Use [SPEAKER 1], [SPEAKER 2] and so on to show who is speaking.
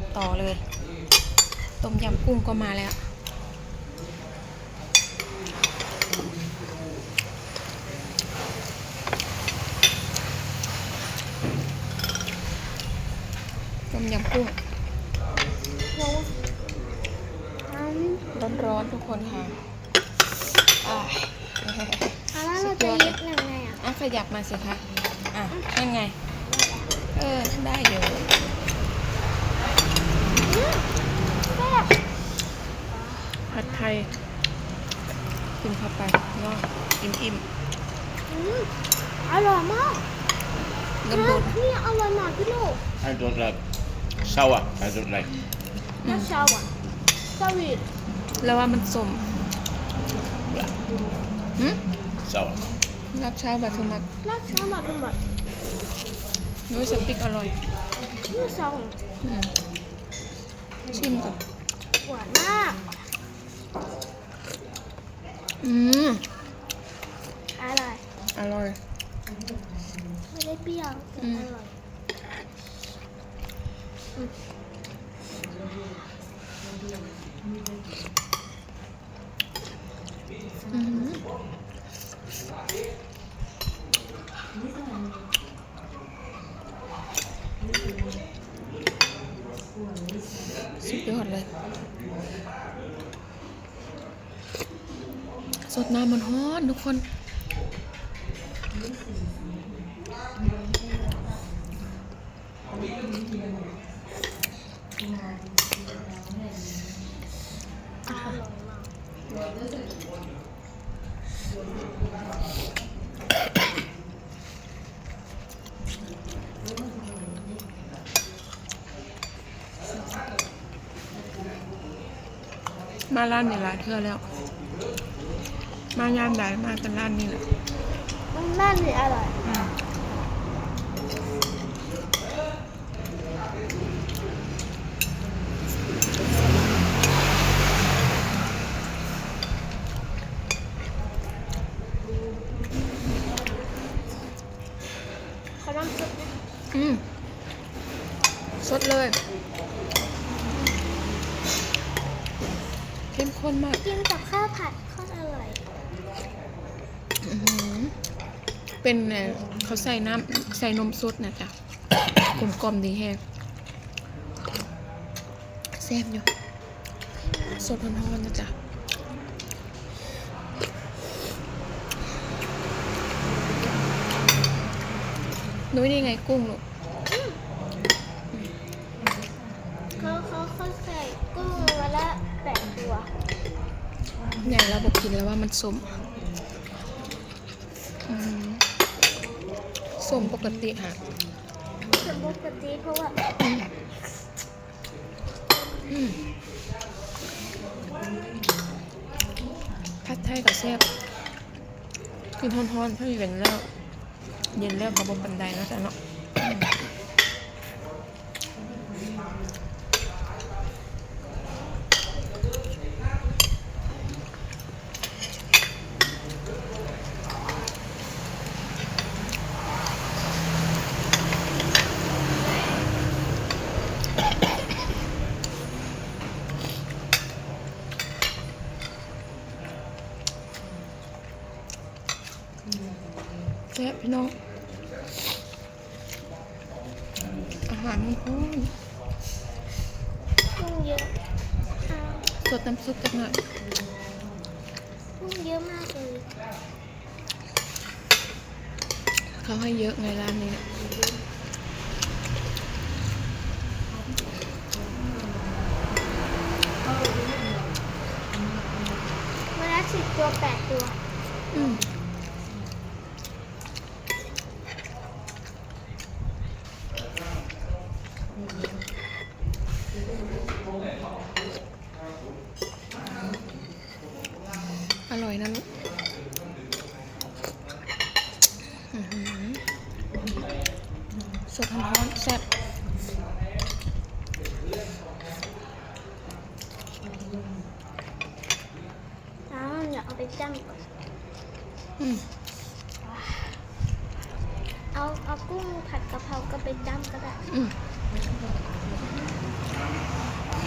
[SPEAKER 1] ต่อเลยต้มยำกุ้งก็มาแล้วต้มยำกุ้งร้อนๆทุกคนค่ะ
[SPEAKER 2] แล้วเราจะยึดยังไงอ่ะ
[SPEAKER 1] ขยับมาสิคะนั่นไงได้อยู่ผัดไทยกินเข้าไปเนาะอิ่ม
[SPEAKER 2] อร่อยมาก
[SPEAKER 1] น้ำดูด
[SPEAKER 2] นี่อร่อยมากพี่ลูก
[SPEAKER 3] I don't like sour. I don't like.
[SPEAKER 2] น่าชาอ่ะสวีท
[SPEAKER 1] แล้วว่ามันสม
[SPEAKER 3] Sour.
[SPEAKER 1] รับเช้าแบบทุมัก
[SPEAKER 2] น่าชามากทั้งหมด
[SPEAKER 1] ด้วยสติ๊กอร่อย
[SPEAKER 2] นี่ซอง
[SPEAKER 1] ชิมก่อน
[SPEAKER 2] หวานมากอร่อย
[SPEAKER 1] อร่อย
[SPEAKER 2] ไม่ได้เปรี้ยวแต่อร่อย
[SPEAKER 1] สุดยอดเลยสดน้ำมันฮ้อนทุกคนมาร้านนี้หลายเทื่อแล้วมายามใดมากันร้านนี้แหละ
[SPEAKER 2] น่าดีอร่อยขอน้ำซุป
[SPEAKER 1] สดเลยเข้มข้นมาก
[SPEAKER 2] กินกับข้าวผัดข้าวอร่อย
[SPEAKER 1] เป็นเขาใส่น้ำใส่นมสดนะจ๊ะกลมๆดีแฮงแซ่บอยู่สดร้อนๆนะจ๊ะนุ้ยนี่ไงกุ้งลูก
[SPEAKER 2] เขาใส่กุ้งมาละ8 ตัว
[SPEAKER 1] เนี่ยเราบอกกินแล้วว่ามันส้มปกติค่ะ
[SPEAKER 2] ส้มปกติเพราะว่า
[SPEAKER 1] ผัดไทยกับแซ่บกินฮ้อนๆถ้าเย็นแล้วเขาบนบันไดแล้วจ้ะเนาะแซ่บพี่น้องอาหารมันฮ้อน
[SPEAKER 2] กุ้งเยอะ
[SPEAKER 1] สดน้ำซุปจักหน่อย
[SPEAKER 2] กุ้งเยอะมากเลย
[SPEAKER 1] เขาให้เยอะไงร้านนี้
[SPEAKER 2] มาละ10 ตัว 8 ตัว
[SPEAKER 1] อร่อยนะลูกสดร้อนแซ่บ
[SPEAKER 2] อยากเอาไปจ้ำก่อนเอากุ้งผัดกะเพราก็ไปจ้ำก็ได้